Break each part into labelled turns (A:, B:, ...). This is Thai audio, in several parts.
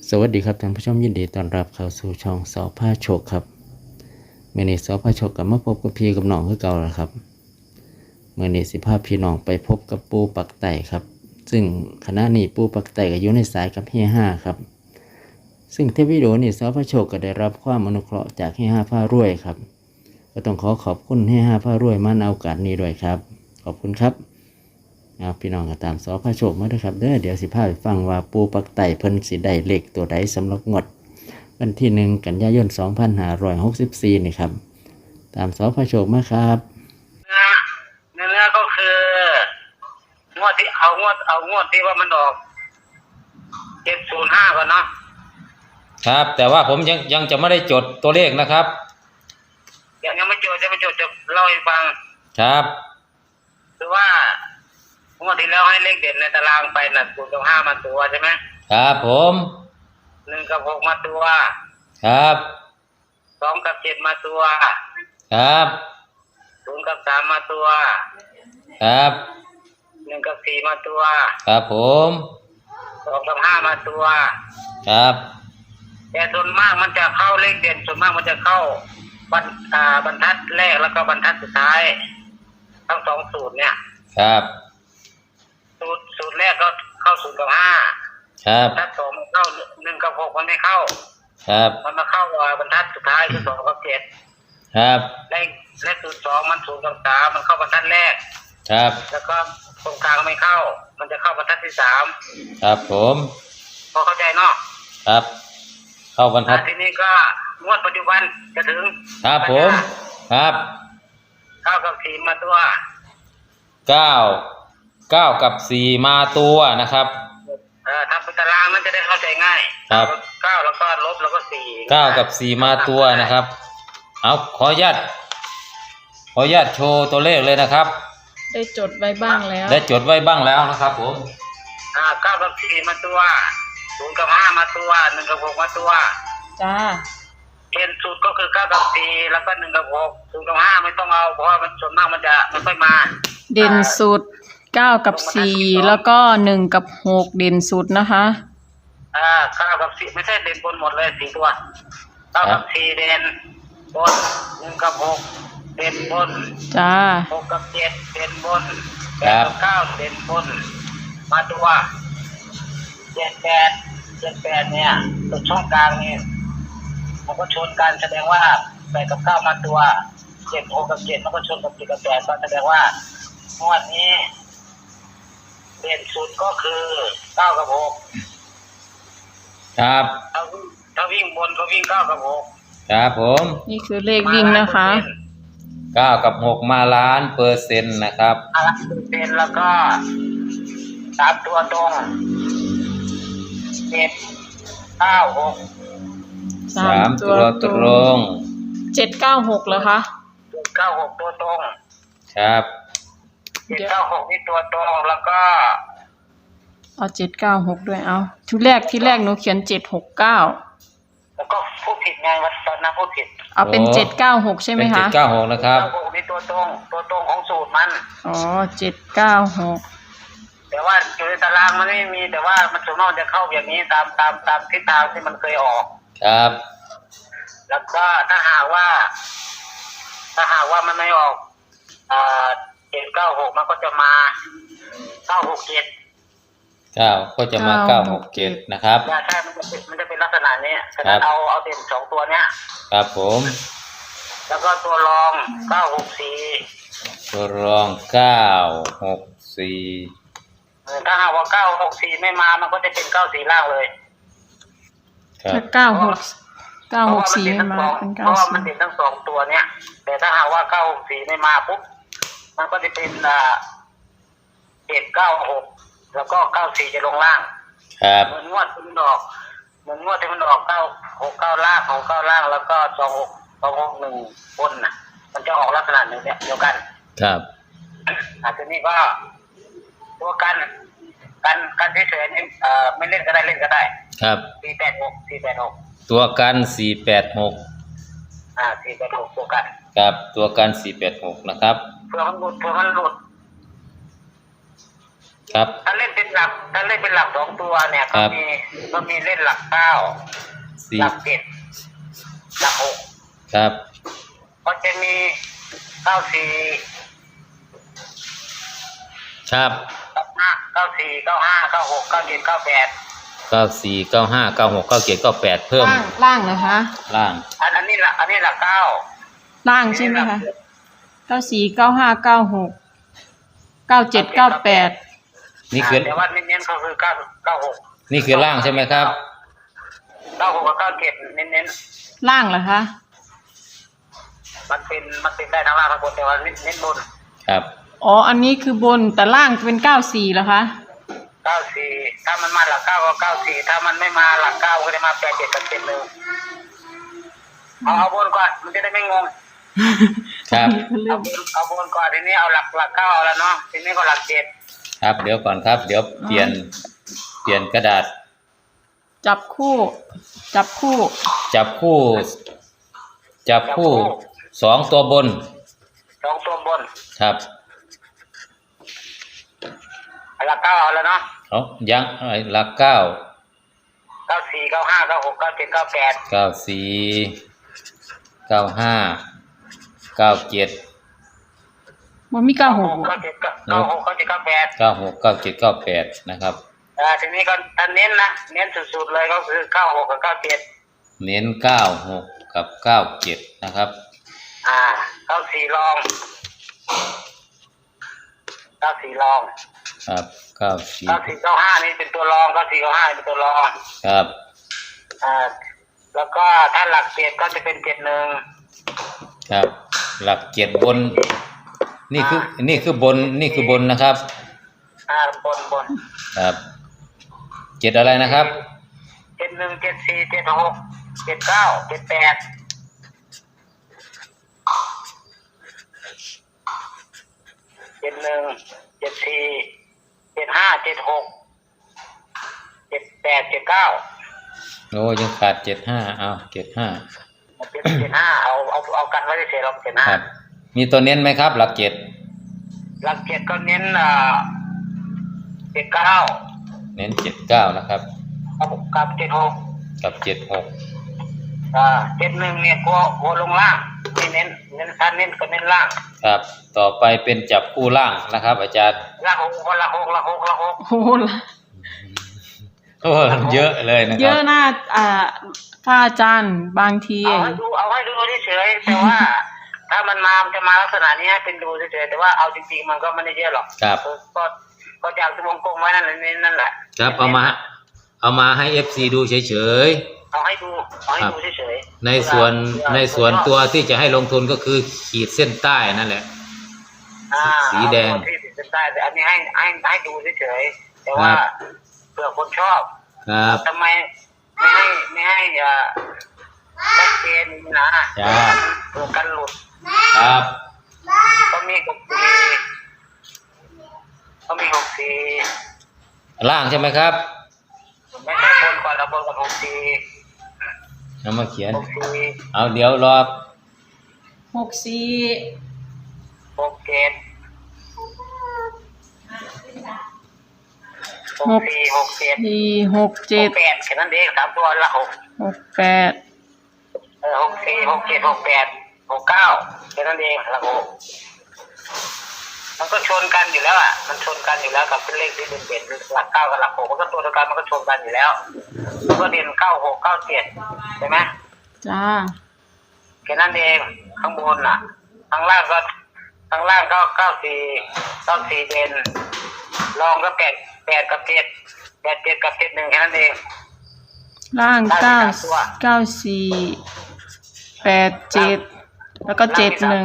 A: สวัสดีครับท่านผู้ชมยินดีต้อนรับเข้าสู่ช่องสอพาโชคครับเมื่อนี้สอพาโชคกับมาพบกับพี่กับน้องคือเก่าแล้วครับเมื่อนี้สิพาพี่น้องไปพบกับปูปักไต่ครับซึ่งขณะนี้ปูปักไต่ก็อยู่ในสายกับเฮียห้าครับซึ่งเทปวิดีโอนี้สอพาโชคก็ได้รับความอนุเคราะห์จากเฮียห้าพารวยครับก็ต้องขอบคุณเฮียห้าพารวยมาในโอกาสนี้ด้วยครับขอบคุณครับพี่น้องก็ตามสอพาโชคมาด้วยครับเดี๋ยวสิพาไปฟังว่าปูปักไต่เพิ่นสิได้เลขตัวใดสำหรับงวดวันที่1 กันยายน 2564นี่ครับตามสอพาโชคมาครับ
B: เนื้อก็คืองวดที่เอางวดที่ว่ามันออก705ก่อนเนาะ
C: ครับแต่ว่าผมยังจะไม่ได้จดตัวเลขนะครับ
B: ยังไม่จดจะเล่าให้ฟัง
C: ครับ
B: คือว่างวดที่แล้วให้เลขเด่นในตารางไปน่ะ0 กับ 5มาตัวใช่ไหม
C: ครับผม
B: 1 กับ 6มาตัว
C: ครับ
B: 2 กับ 7มาตัว
C: ครับ
B: 0 กับ 3มาตัว
C: ครับ
B: 1 กับ 4มาตัว
C: ครับผม
B: 2 กับ 5มาตัว
C: ครับ
B: แต่ส่วนมากมันจะเข้าเลขเด่นส่วนมากมันจะเข้าบรรทัดแรกแล้วก็บรรทัดสุดท้ายทั้ง2สูตรเนี่ย
C: ครับ
B: สูตรแรกก็เข้า0 กับ 5
C: ครับ
B: บรรทัด2มันเข้า1 กับ 6มันไม่เข้า
C: ครับ
B: มันมาเข้าบรรทัดสุดท้ายคือ2 กับ 7
C: ครับ
B: และสูตร2มัน0 กับ 3มันเข้าบรรทัดแรก
C: ครับ
B: แล้วก็ตรงกลางไม่เข้ามันจะเข้าบรรทัดที่3
C: ครับผม
B: พอเข้าใจเนาะ
C: ครับเข้าบรรทัด
B: ทีนี้ก็งวดปัจจุบันจะถึง
C: ครับผมครับ
B: 9 กับ 4มาตัว
C: 9กับ4มาตัวนะครับ
B: ทำเป็นตารางมันจะได้เข้าใจง่าย
C: ครับ
B: 9แล้วก็ลบแล้วก็4
C: 9กับ4มาตัวนะครับเอาขออนุญาตโชว์ตัวเลขเลยนะครับ
D: ได้จดไว้บ้างแล้ว
C: นะครับผม
B: 9 กับ 4มาตัว0 กับ 5มาตัว1 กับ 6มาตัว
D: จ้า
B: เกณฑ์สูตรก็คือ9 กับ 4แล้วก็1 กับ 6 0 กับ 5ไม่ต้องเอาเพราะว่ามันส่วนมากมันจะไม่ค่อยมา
D: เด่นสุด9 กับ 4แล้วก็1 กับ 6เด่นสุดนะคะ
B: 9 กับ 4ไม่ใช่เด่นบนหมดเลย4ตัว9 กับ 4เด่นบน1 กับ 6เด่นบน
D: จ้า
B: 6 กับ 7เด่นบน8 กับ 9เด่นบนมาตัว78เนี่ยตัวช่องกลางนี่มันก็ชนกันแสดงว่า8 กับ 9มาตัว7 6 กับ 7มันก็ชนกับ7 กับ 8ก็แสดงว่างวดนี้เด่นสุดก็คือ9 กับ
C: 6ครับ
B: ถ้าวิ่งบนก็วิ่ง9 กับ 6
C: ครับผม
D: นี่คือเลขวิ่งนะคะ
C: 9 กับ 6มา1,000,000%นะครับ
B: 1,000,000%แล้วก็3ตัวตรง7 9 6
C: 3ตัวตรง
D: 796เหรอคะ
B: 796ตัวตรง
C: ครับ
B: 796นี่ตัวตรงแล้วก็
D: เอา796ด้วยเอาที่แรกหนูเขียน769
B: แล้วก็พูดผิดไงว่าตอนนั้นพูดผิด
D: เอาเป็น796ใช่ไหมคะ
C: เป็น796นะครับ
B: 796นี่ตัวตรงของสูตรมัน
D: อ๋อ796
B: แต่ว่าอยู่ในตารางมันไม่มีแต่ว่ามันส่วนมากจะเข้าอย่างนี้ตามทิศทางที่มันเคยออก
C: ครับ
B: แล้วก็ถ้าหากว่ามันไม่ออก796มันก็จะมา967
C: ก็จะมา967นะครับ
B: ใช่มันจะเป็นลักษณะนี้ฉะนั้นเอาเด่น2ตัวเนี้ย
C: ครับผม
B: แล้วก็ตัวรอง964
C: ตัวรอง964
B: ถ้าหากว่า964ไม่มามันก็จะเป็น94ล่างเลย
D: ถ้า964ไม่มาเป็น94
B: เพราะว่ามันติดทั้ง2ตัวเนี้ยแต่ถ้าหากว่า964ไม่มาปุ๊บมันก็จะเป็น796แล้วก็94จะลงล่าง
C: ครับ
B: เหมือนงวดที่มันออก969ล่างของ9ล่างแล้วก็261บนน่ะมันจะออกลักษณะนี้เดียวกัน
C: ครับ
B: ทีนี้ก็ตัวกันเฉยๆไม่เล่นก็ได้เล่นก็ได้
C: ครับ
B: 486
C: ตัวกัน486
B: 486ตัวกัน
C: ครับตัวกัน486นะครับ
B: เพื่อมันหลุด
C: ครับ
B: ถ้าเล่นเป็นหลักสองตัวเนี่ย
C: ครั
B: ก็
C: บ
B: มีเล่นหลักเก้า
C: สี่
B: หลักเจ็ดหลักหก
C: ครับ
B: ก็จะมีเก้าสี่
C: ครับ
B: เก้าสี่เก้าห้าเก้าหกเก้าเจ็ดเก้าแปด
C: 94 95 96 97 98เพิ่ม
D: ล่างเหรอคะ
C: ล่าง
B: อันนี้หลักเก้า
D: ล่างใช่ไหมคะ94 95 96 97 98
C: นี่คือ
B: แต่ว่าเน้นๆก็คือเก้าหก
C: นี่คือล่างใช่ไหมครับ
B: เก้าหกกับเก้าเจ็ดเน้น
D: ล่างเหรอคะ
B: ๆมันเป็นได้ทั้งล่างทั้งบนแต่ว่าเน้นบน
C: ครับ
D: อ๋ออันนี้คือบนแต่ล่างเป็น94เหรอคะ
B: เก้าสี่ถ้ามันมาหลักเก้าก็เก้าสี่ถ้ามันไม่มาหลักเก้าก็จะมาแปดเจ็ดกับเจ็ดหนึ่งเอาบนก่อนมันจะได้ไม่งง
C: ครับ
B: เอาบนก่อนทีนี้เอาหลักเก้าเอาแล้วเนาะทีนี้ก็หลักเจ็ด
C: ครับเดี๋ยวก่อนครับ เดี๋ยวเปลี่ยนกระดาษ
D: จับคู่
C: จับคู่สองตัวบน
B: สองตัวบน
C: ครับ
B: หลักเก้าเอาแล้วเนาะ
C: เอายังหลักเก้า
B: เก้าสี่เก้าห้าเก้าหกเก้าเจ็ดเก้าแปด
C: 94 95 97
D: มันมี96
B: เก้าหกเก้าเจ็ดเก้าแปด
C: 96 97 98นะครับ
B: ทีนี้ก็ถ้าเน้นนะเน้นสุดๆเลยก็คือเก้าหกกับเก้าเจ็ด
C: เน้น96กับ97นะครับ
B: เก้าสี่ลองเก้าสี่ลอง
C: ครับ94
B: เก้าสี่เก้าห้านี่เป็นตัวรองเก้าสี่เก้าห้าเป็นตัวรอง
C: ครับ
B: แล้วก็ถ้าหลักเจ็ดก็จะเป็นเจ็ดหนึ่ง
C: ครับ หลักเจ็ดบน นี่คือบนนะครับ
B: บน
C: ครับเจ็ดอะไรนะครับ
B: เจ็ดหนึ่งเจ็ดสี่เจ็ดหกเจ็ดเก้าเจ็ดแปดเจ็ดหนึ่งเจ็ดสี่เจ็ดห้าเจ็ดหกเจ็ดแปดเจ็ดเก้า
C: โอ้ยังขาด75เอา75
B: เจ็ดห้าเอากันไว้เฉยๆเราเจ็ดห้า
C: ครับ มีตัวเน้นไหมครับ หลักเจ็ด
B: หลักเจ็ดก็เน้นเจ็ดเก้า
C: เน้น79นะครับ
B: กับเจ็ดหก
C: กับ76
B: เจ็ดหนึ่งเนี่ยกลัวลงล่างไม่เน้นถ้าเน้นก็เน้นล่าง
C: ครับ ต่อไปเป็นจับคู่ล่างนะครับ อาจารย์
B: ล่างหกคนละหก
D: โอ้โห
C: โอ้เยอะเลยนะค
D: เย
C: รับ
D: อะหน้าพระอาจารย์บางที
B: เอาให้ดูเฉยๆแต่ว่า ถ้ามันจะมาลักษณะนี้ให้เป็นดูเฉยๆแต่ว่าเอาจริงๆมันก็ไม่ได้เยอะหรอก
C: ครับ
B: ก็จากวงกลมไว้นั่นแหละ
C: ครับเอามาให้ FC ดูเฉย
B: เอาให้ดูเฉย
C: ๆในส่วนตัวที่จะให้ลงทุนก็คือขีดเส้นใต้นั่นแหละ สีแดง
B: เอาที่ติดใต้แต่อันนี้ให้ดูเฉยๆแต่ว่าเผื่อคนชอบ
C: ครับ
B: ทำไมไม่ให้ชัดเจนนะ
C: จ้า
B: เผื่อกันหลุด
C: ครับ
B: ก็มีหกสี่
C: ล่างใช่ไหมครับ
B: ไม่ใช่บนก่อนเราบนกับหกสี่
C: เอามาเขียน
B: หกสี่
C: เอาเดี๋ยวรอ
D: 64
B: หกเจ็ดหกสี่หกเจ็ด
D: 4
B: หก
D: 67
B: แปดแค่นั้นเองสามตัวละหก
D: 68
B: หกสี่หกเจ็ดหกแปดหกเก้าแค่นั้นเองละหกมันก็ชนกันอยู่แล้วมันชนกันอยู่แล้วกับเป็นเลขที่เป็นเด่นหลักเก้ากับหลักหกมันก็ตัวเดียวกันมันก็ชนกันอยู่แล้วมันก็เด่นเก้าหกเก้าเจ็ดใช่ไหม
D: จ้า
B: แค่นั้นเองข้างบนข้างล่างก็เก้าสี่เด่นรองก็แปดกับเจ็ดกับเจ็ดหนึ่งแค่นั้นเอง
D: ล่าง94 87แล้วก็71
B: เก้า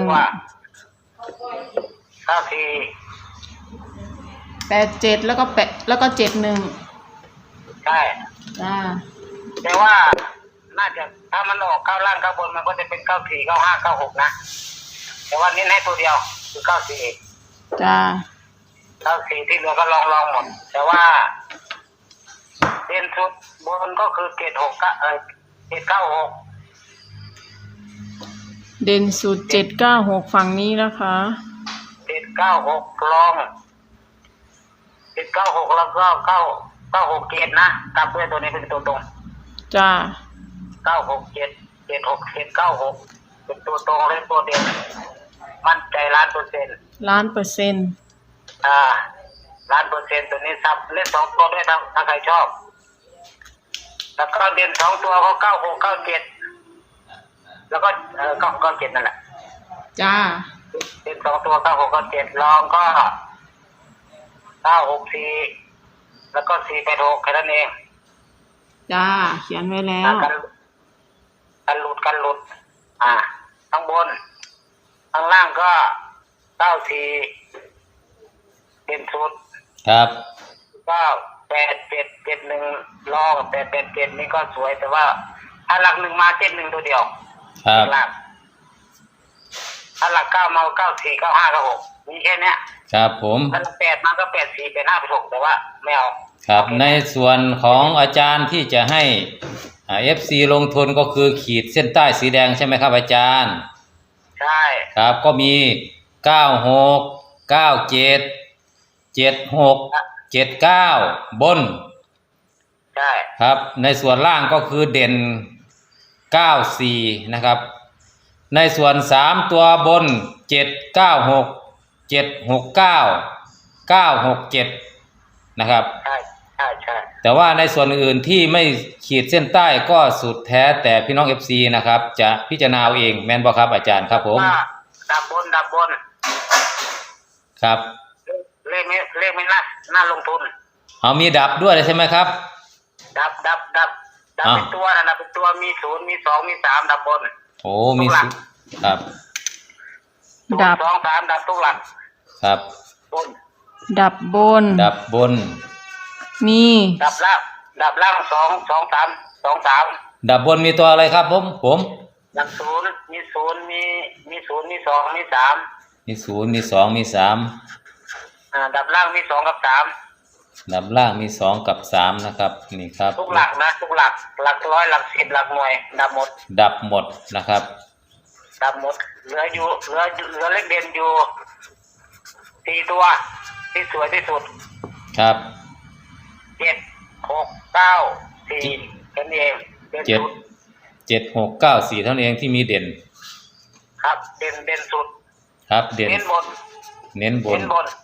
B: สี่
D: 87แล้วก็71
B: ใช่
D: จ้า
B: แต่ว่าน่าจะถ้ามันออกเข้าล่างเข้าบนมันก็จะเป็นเก้าสี่เก้าห้าเก้าหกนะแต่ว่าเน้นให้ตัวเดียวคือเก้าสี่
D: จ้า
B: เก้าสี่ที่เหลือก็ลองหมด แต่ว่าเด่นสุดบนก็คือ7 9 6
D: เด่นสุด796ฝั่งนี้นะคะ
B: 7 9 6ลอง 796แล้วก็967นะกลับด้วยตัวนี้เป็นตัวตรง
D: จ้า
B: 967 767 96เป็นตัวตรงและตัวเด่นมั่นใจ1,000,000%
D: ล้านเปอร์เซ็นต์
B: 1,000,000%ตัวนี้ซับเล่น2ตัวด้วยถ้าใครชอบแล้วก็เด่น2ตัวก็96 97แล้วก็97นั่นแหละ
D: จ้า
B: เด่น2ตัว96 97รองก็964แล้วก็486แค่นั้นเอง
D: จ้า เขียนไว้แล้ว
B: กันหลุดข้างบนข้างล่างก็94เด่นสุด
C: ครับ
B: 98771รอง887นี่ก็สวยแต่ว่าถ้าหลัก1มา71ตัวเดียว
C: ครับ
B: หลักถ้าหลัก9มา94 95 96มีแค่เนี้ย
C: ครับผม
B: ถ้าหลัก8มาก็84 85 86แต่ว่าไม่เอา
C: ครับในส่วนของอาจารย์ที่จะให้FC ลงทุนก็คือขีดเส้นใต้สีแดงใช่ไหมครับอาจารย์
B: ใช่
C: ครับก็มี96 97 76 79บน
B: ใช่
C: ครับในส่วนล่างก็คือเด่น94นะครับในส่วน3ตัวบน796 769 967นะครับ
B: ใช่
C: แต่ว่าในส่วนอื่นที่ไม่ขีดเส้นใต้ก็สุดแท้แต่พี่น้อง FC นะครับจะพิจารณาเอาเองแม่นบ่ครับอาจารย์ครับผม
B: ว่าดับบน
C: ครับ
B: เลขไม่น่าลงทุน
C: เอามีดับด้วยใช่ไหมครับ
B: ดับเป็นตัวนะดับเป็นตัวมี0มี2มี3ดับบน
C: โอ้มีสิครับ
D: ดับ
B: 2 3ดับทุกหลัก
C: ครับ
B: บน
D: ดับบน
C: ดับบน
D: มี
B: ดับล่าง2 3
C: ดับบนมีตัวอะไรครับผม
B: ดับ0มี0มี0มี2มี3
C: มี0มี2มี3
B: ดับล่างมี2กับ3
C: ดับล่างมี2กับ3นะครับนี่ครับ
B: ทุกหลักนะทุกหลักร้อยหลัก10หลักหน่วยดับหมด
C: ดับหมดนะครับ
B: ดับหมดเหลือเลขเด่นอยู่4ตัวที่สวยที่สุด
C: ครับ
B: 7 6 9 4แค่นี้เองเด่นสุด
C: 7 6 9 4เท่านั้นเองที่มีเด่น
B: ครับเด่นสุด
C: ครับเด่น
B: เน้นบน
C: เน้นบน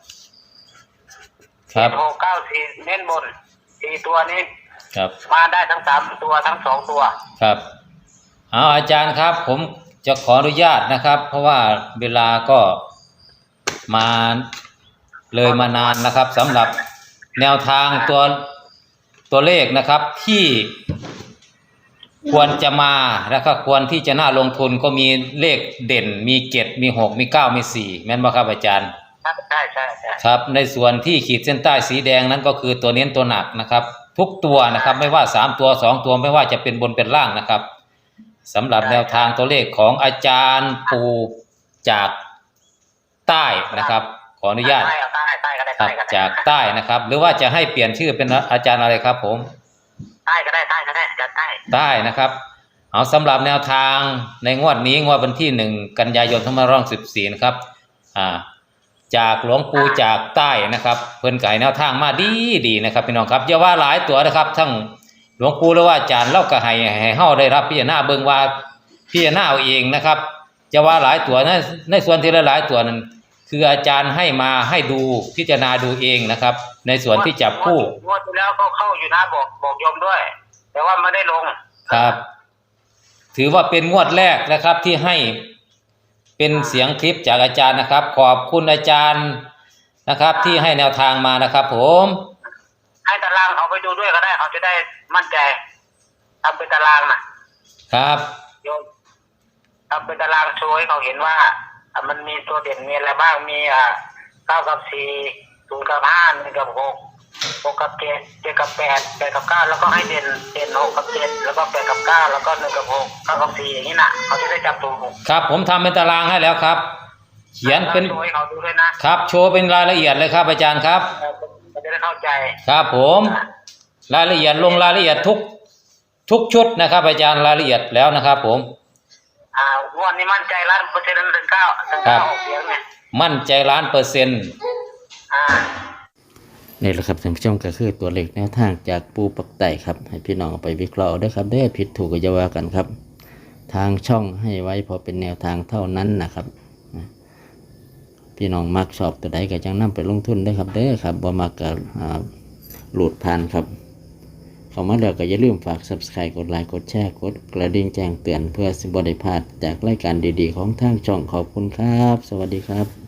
B: ครับ
C: ครับ
B: 6 9 4เน้นบน4ตัวนี้
C: ครับ
B: มาได้ทั้ง3ตัวทั้ง2ตัว
C: ครับเอาอาจารย์ครับผมจะขออนุญาตนะครับ เพราะว่าเวลาก็มาเลยมานานนะครับสำหรับแนวทางตัวเลขนะครับที่ควรจะมาแล้วก็ควรที่จะน่าลงทุนก็มีเลขเด่นมี7มี6มี9มี4แม่นบ่ครับอาจารย์
B: ใช่
C: ครับในส่วนที่ขีดเส้นใต้สีแดงนั้นก็คือตัวเน้นตัวหนักนะครับทุกตัวนะครับไม่ว่า3ตัว2ตัวไม่ว่าจะเป็นบนเป็นล่างนะครับสำหรับแนวทางตัวเลขของอาจารย์ปูจากใต้นะครับขออนุญาต
B: ใต้ก็ได้
C: ครับจากใต้นะครับหรือว่าจะให้เปลี่ยนชื่อเป็นอาจารย์อะไรครับผม
B: ใต้ก็ได้จัดใต้
C: ใต้นะครับเอาสำหรับแนวทางในงวดนี้งวดวันที่1กันยายน2564นะครับจากหลวงปู่จากใต้นะครับเพิ่นไก่แนวทางมาดีนะครับพี่น้องครับอย่าว่าหลายตัวนะครับทั้งหลวงปู่หรือว่าอาจารย์เล่าก็ให้เฮาได้รับพิจารณาเบิ่งว่าพิจารณาเอาเองนะครับจะว่าหลายตัวในส่วนที่หลายตัวนั้นคืออาจารย์ให้มาให้ดูพิจารณาดูเองนะครับในส่วนที่จับคู่
B: งวดที่แล้วก็เข้าอยู่นะบอกโยมด้วย แต่ว่าไม่ได้ลง
C: ครับ ถือว่าเป็นงวดแรกนะครับที่ให้เป็นเสียงคลิปจากอาจารย์นะครับ ขอบคุณอาจารย์นะครับที่ให้แนวทางมานะครับผม
B: ให้ตารางเขาไปดูด้วยก็ได้เขาจะได้มั่นใจทำเป็นตารางนะครับ โยมทำเป็นตารางโชว์ให้เขาเห็นว่ามันมีตัวเด่นมีอะไรบ้างมี9 กับ 4 0 กับ 5 1 กับ 6 6 กับ 7 7 กับ 8 8 กับ 9แล้วก็ให้เด่น6 กับ 7แล้วก็8 กับ 9แล้วก็1 กับ 6 9 กับ 4อย่างนี้นะเขาจะได้จับถูก
C: ครับผมทำเป็นตารางให้แล้วครับ เขียนเป็น
B: โชว์ให้เขาดูด้วยนะครับ
C: โชว์เป็นรายละเอียดเลยครับอาจารย์ครับ
B: เขาจะได้เข้าใจ
C: ครับผมรายละเอียดลงรายละเอียดทุกชุดนะครับอาจารย์รายละเอียดแล้วนะครับผม
B: งวดนี้มั่นใจ100%ถึง9 6เสียงเนี่ย
C: มั่นใจ1,000,000%
A: นี่แหละครับท่านผู้ชมก็คือตัวเลขแนวทางจากปูปักไต่ครับให้พี่น้องเอาไปวิเคราะห์ด้วยครับได้ผิดถูกก็อย่าว่ากันครับ ทางช่องให้ไว้พอเป็นแนวทางเท่านั้นนะครับพี่น้องมักชอบตัวใดก็จังนำไปลงทุนได้ครับเด้อครับบ่มักก็หลุดผ่านครับเข้ามาแล้วก็อย่าลืมฝาก Subscribe กดไลค์กดแชร์กดกระดิ่งแจ้งเตือนเพื่อสิบ่ได้พลาดจากรายการดีๆของทางช่องขอบคุณครับสวัสดีครับ